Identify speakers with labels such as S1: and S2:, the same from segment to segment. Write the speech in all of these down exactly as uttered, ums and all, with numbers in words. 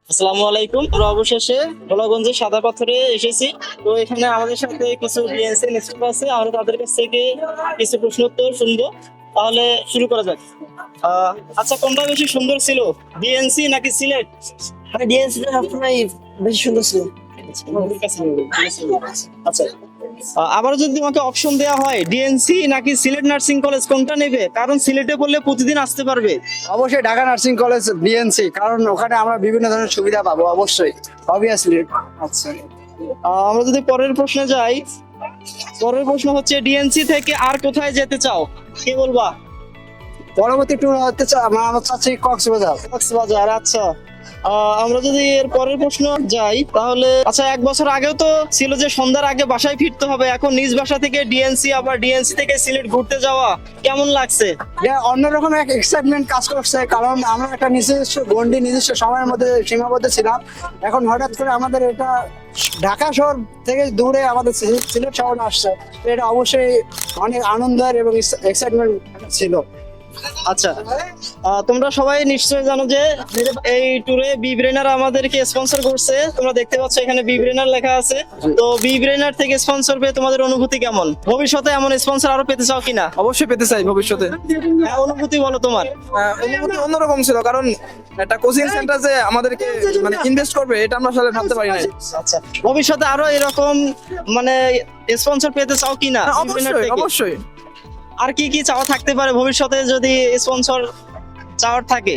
S1: আসসালামু আলাইকুম। আমরা অবশেষে গোলাগঞ্জের সাদা পাথরে এসেছি। তো এখানে আমাদের সাথে কিছু বিএনসি স্টুডেন্ট আছে, আমরা তাদের কাছ থেকে কিছু প্রশ্ন উত্তর শুনবো। তাহলে শুরু করা যাক। আহ, আচ্ছা, কোনটা বেশি সুন্দর ছিল, বিএনসি নাকি সিলেট?
S2: মানে ডিএনসি টা সবসময় বেশি সুন্দর ছিল।
S1: আচ্ছা, আহ, আবার যদি তোমাকে অপশন দেওয়া হয় ডিএনসি নাকি সিলেট নার্সিং কলেজ, কোনটা নেবে? কারণ সিলেটে পড়লে প্রতিদিন আসতে পারবে।
S3: অবশ্যই ঢাকা নার্সিং কলেজ বিএনসি, কারণ ওখানে আমরা বিভিন্ন ধরনের সুবিধা পাবো। অবশ্যই অবভিয়াসলি।
S1: আচ্ছা, আহ, আমরা যদি পরের প্রশ্নে যাই, পরের প্রশ্ন হচ্ছে ডিএনসি থেকে আর কোথায় যেতে চাও, কে বলবা?
S3: পরবর্তী ট্যুর হতে চা- আমরা আমরা চাচ্ছি কক্সবাজার।
S1: কক্সবাজার। আচ্ছা, আহ, আমরা যদি এর পরের প্রশ্ন যাই তাহলে, আচ্ছা, এক বছর আগেও তো ছিল যে সন্ধ্যার আগে বাসায় ফিরতে হবে, এখন নিজ বাসা থেকে ডিএনসি আবার ডিএনসি থেকে সিলেট ঘুরতে যাওয়া কেমন লাগছে?
S3: যে অন্যরকম এক এক্সাইটমেন্ট কাজ করছে, কারণ আমরা একটা নিজস্ব গন্ডি নিজস্ব সময়ের মধ্যে সীমাবদ্ধ ছিলাম। এখন হঠাৎ করে আমাদের এটা ঢাকা শহর থেকে দূরে আমাদের সি- সিলেট শহর আসছে, তো এটা অবশ্যই অনেক আনন্দের এবং এক্সাইটমেন্ট ছিল।
S1: আচ্ছা, আহ, তোমরা সবাই নিশ্চয়ই জানো যে এই ট্যুরে বি ব্রেনার আমাদেরকে স্পন্সর করছে। তোমরা দেখতে পাচ্ছ এখানে বি ব্রেনার লেখা আছে। তো বি ব্রেনার থেকে স্পন্সর পেয়ে তোমাদের অনুভূতি কেমন? ভবিষ্যতে এমন স্পন্সর আরো পেতে চাও কিনা?
S4: অবশ্যই পেতে চাই ভবিষ্যতে।
S1: হ্যাঁ, অনুভূতি বলো তোমার।
S4: আহ, অনুভূতি অন্যরকম ছিল, কারণ একটা কোচিং সেন্টার যে আমাদেরকে মানে ইনভেস্ট করবে এটা আমরা আসলে ভাবতে পারি না।
S1: আচ্ছা, ভবিষ্যতে আরো এরকম মানে স্পন্সর পেতে চাও কিনা? বি ব্রেনার
S4: অবশ্যই
S1: থেকে?
S4: অবশ্যই।
S1: আর কি কি চাওয়া থাকতে পারে ভবিষ্যতে যদি স্পন্সর চাওয়ার থাকে?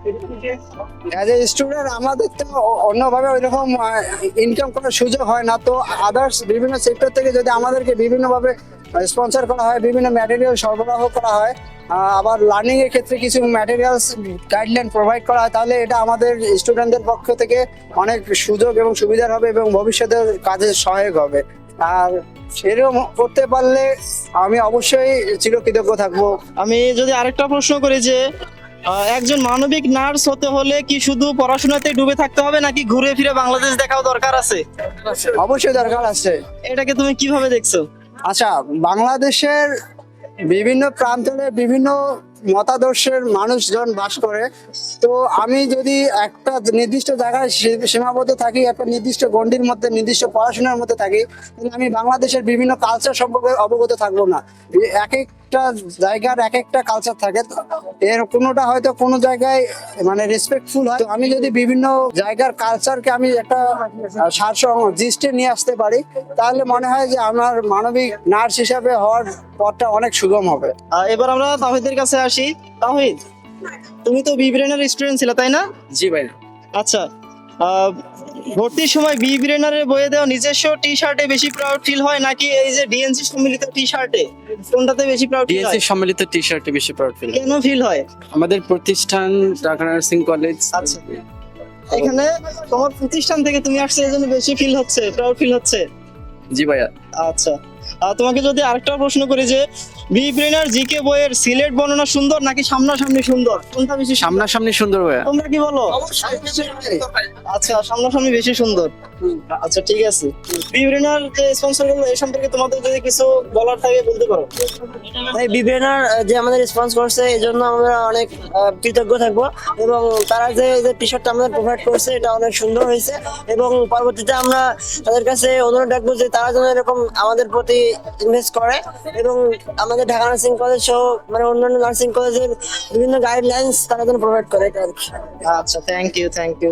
S3: অ্যাজ এ স্টুডেন্ট আমাদের তো অ- অন্যভাবে ওইরকম ইনকাম করার সুযোগ হয় না, তো আদার্স বিভিন্ন সেক্টর থেকে যদি আমাদেরকে বিভিন্নভাবে স্পন্সর করা হয়, বিভিন্ন ম্যাটেরিয়াল সরবরাহ করা হয়, আহ, আবার লার্নিং এর ক্ষেত্রে কিছু ম্যাটেরিয়ালস গাইডলাইন প্রোভাইড করা হয়, তাহলে এটা আমাদের স্টুডেন্টদের পক্ষ থেকে অনেক সুযোগ এবং সুবিধার হবে এবং ভবিষ্যতের কাজে সহায়ক হবে। আর সেরকম করতে পারলে আমি অবশ্যই চিরকৃতজ্ঞ থাকবো।
S1: আমি যদি আরেকটা প্রশ্ন করি যে আহ, একজন মানবিক নার্স হতে হলে কি শুধু পড়াশোনাতে ডুবে থাকতে হবে নাকি ঘুরে ফিরে বাংলাদেশ দেখাও দরকার আছে?
S3: অবশ্যই দরকার আছে।
S1: এটাকে তুমি কিভাবে দেখছো?
S3: আচ্ছা, বাংলাদেশের বিভিন্ন প্রান্তরে বিভিন্ন মতাদর্শের মানুষজন বাস করে, তো আমি যদি একটা নির্দিষ্ট জায়গায় সী- সীমাবদ্ধ থাকি, একটা নির্দিষ্ট গণ্ডির মধ্যে নির্দিষ্ট পড়াশোনার মধ্যে থাকি, তাহলে আমি বাংলাদেশের বিভিন্ন কালচার সম্পর্কে অবগত থাকবো না। এ- এক একটা জায়গার এক একটা কালচার থাকে, তো এর কোনোটা হয়তো কোনো জায়গায় মানে রেসপেক্টফুল হয়, তো আমি যদি বিভিন্ন জায়গার কালচারকে আমি একটা সারসং দৃষ্টি নিয়ে আসতে পারি, তাহলে মনে হয় যে আমার মানবিক নার্স হিসাবে হওয়ার পথটা অনেক সুগম হবে।
S1: আহ, এবার আমরা তাহিদের কাছে আসি। তাহিদ, তুমি তো বি ব্রেনার স্টুডেন্ট ছিলে, তাই না?
S4: জি ভাই।
S1: আচ্ছা, আহ, ভর্তির সময় বি ব্রেনারের বইয়ে দেওয়া নিজস্ব টি শার্টে বেশি প্রাউড ফিল হয় নাকি এই যে ডিএনসি সম্মিলিত টি শার্টে, কোনটাতে বেশি প্রাউড ফিল
S5: ডিএনসি
S1: হয়?
S5: সম্মিলিত টি শার্টে বেশি প্রাউড ফিল।
S1: কেন ফিল হয়?
S5: আমাদের প্রতিষ্ঠান ঢাকা নার্সিং কলেজ।
S1: আচ্ছা, এখানে তোমার প্রতিষ্ঠান থেকে তুমি আসছে, এই জন্য বেশি ফিল হচ্ছে, প্রাউড ফিল হচ্ছে।
S5: জি ভাইয়া।
S1: আচ্ছা, আহ, তোমাকে যদি আরেকটা প্রশ্ন করি যে বি ব্রেনার জিকে বইয়ের সিলেট বর্ণনা সুন্দর নাকি সামনাসামনি সুন্দর, কোনটা বেশি সুন্দর?
S5: সামনাসামনি সুন্দর ভাইয়া।
S1: তোমরা কি বলো? আচ্ছা, সামনাসামনি বেশি সুন্দর। আচ্ছা, ঠিক আছে। বি ব্রেনার যে স্পন্সর গুলো, এই সম্পর্কে তোমাদের যদি কিছু বলার থাকে বলতে পারো।
S2: এই বিবেনার যে আমাদের রেসপন্স করছে এই জন্য আমরা অনেক আহ, কৃতজ্ঞ থাকবো, এবং তারা যে যে টি শার্টটা আমাদের প্রোভাইড করছে এটা অনেক সুন্দর হয়েছে, এবং পরবর্তীতে আমরা তাদের কাছে অনুরোধ রাখবো যে তারা যেন এরকম আমাদের প্রতি ইনভেস্ট করে, এবং আমাদের ঢাকা নার্সিং কলেজ সহ মানে অন্যান্য নার্সিং কলেজের বিভিন্ন গাইডলাইন্স তারা যেন প্রোভাইড করে এটা আর কি।
S1: আচ্ছা, থ্যাংক ইউ, থ্যাংক ইউ।